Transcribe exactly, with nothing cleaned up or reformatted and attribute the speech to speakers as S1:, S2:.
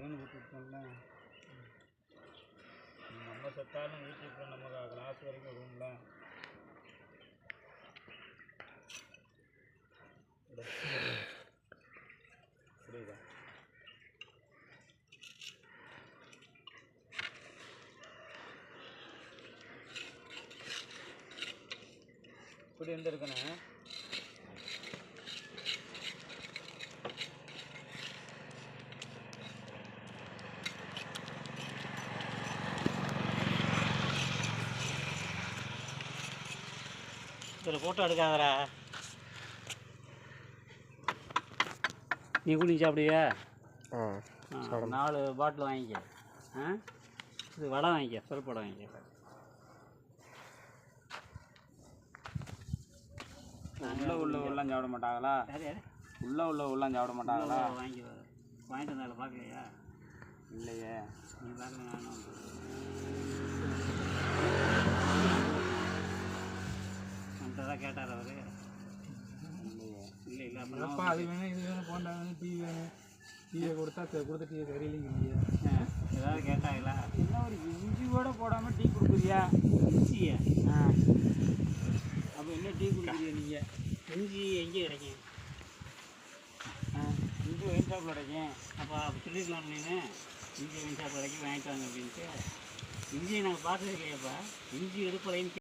S1: தேன் ஊற்றிட்டோம்ல, நம்ம செத்தாலும் வீட்டுக்கு நம்ம கிளாஸ் வரைக்கும் ரூமில் புரியுதா? இப்படி இருந்திருக்கண்ணே.
S2: இதில் ஃபோட்டோ எடுக்காதடா. நீ குளிச்சு சாப்பிடுவியா? நாலு பாட்டில் வாங்கிக்க. ஆ இது வடை வாங்கிக்க, பருப்பு வடை வாங்கிக்க.
S1: உள்ள உள்ள உள்ளம் சாப்பிட மாட்டாங்களா? உள்ள உள்ள உள்ளம் சாப்பிட மாட்டாங்களா?
S2: வாங்கி வாங்கிட்டு வந்தாலும் பார்க்கலையா?
S1: இல்லையே.
S2: நீ பார்க்கல, நானும் தான் கேட்டார் அவர்.
S1: இல்லையே.
S2: இல்லை இல்லை
S3: அப்பா அது வேணும் இது வேணும் போண்டா வேணும் டிவி வேணும், டிவியை கொடுத்தா கொடுத்த டிவி சரியில்லைங்க.
S2: ஏதாவது கேட்டாங்களா?
S1: என்ன ஒரு இஞ்சி கூட போடாமல் டீ கொடுக்குறியா?
S2: இஞ்சியா?
S1: ஆ அப்போ என்ன டீ கொடுக்குறியா நீங்கள்?
S2: இஞ்சி எங்கே கிடைக்கும்?
S1: ஆ இஞ்சி ஒயின் ஷாப்பில் கிடைக்கும்.
S2: அப்போ அப்போ சொல்லியிருக்கலாம் நீனு, இஞ்சி ஒயின் ஷாப் கிடைக்கும் வாங்கிட்டு வாங்க அப்படின்ட்டு. இஞ்சியை நாங்கள் பார்த்தது இல்லையாப்பா. இஞ்சி எடுப்பலைன்னு